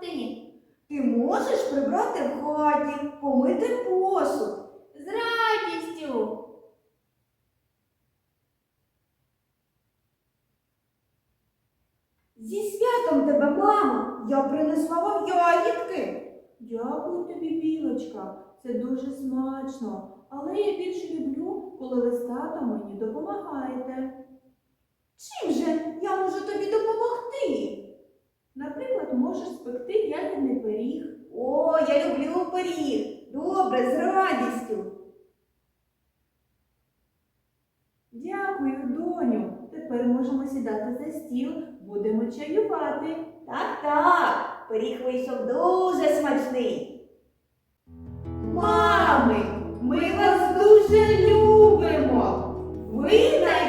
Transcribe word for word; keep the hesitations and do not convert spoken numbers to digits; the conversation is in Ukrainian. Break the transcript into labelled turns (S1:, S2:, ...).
S1: допомогти?
S2: Ти можеш прибрати в хаті, помити посуд.
S1: З радістю.
S2: Зі святом тебе, мамо! Я принесла вам ягідки.
S3: Дякую тобі, Білочка, це дуже смачно. Але я більше люблю, коли ви з татом мені допомагаєте.
S2: Чим же я можу тобі допомогти?
S3: Наприклад, можеш спекти ягідний пиріг.
S2: О, я люблю пиріг. Добре, з радістю.
S3: Дякую, доню. Тепер можемо сідати за стіл, будемо чаювати.
S2: Так, так, пиріг вийшов дуже смачний.
S3: Мами, ми вас дуже любимо.
S2: Ви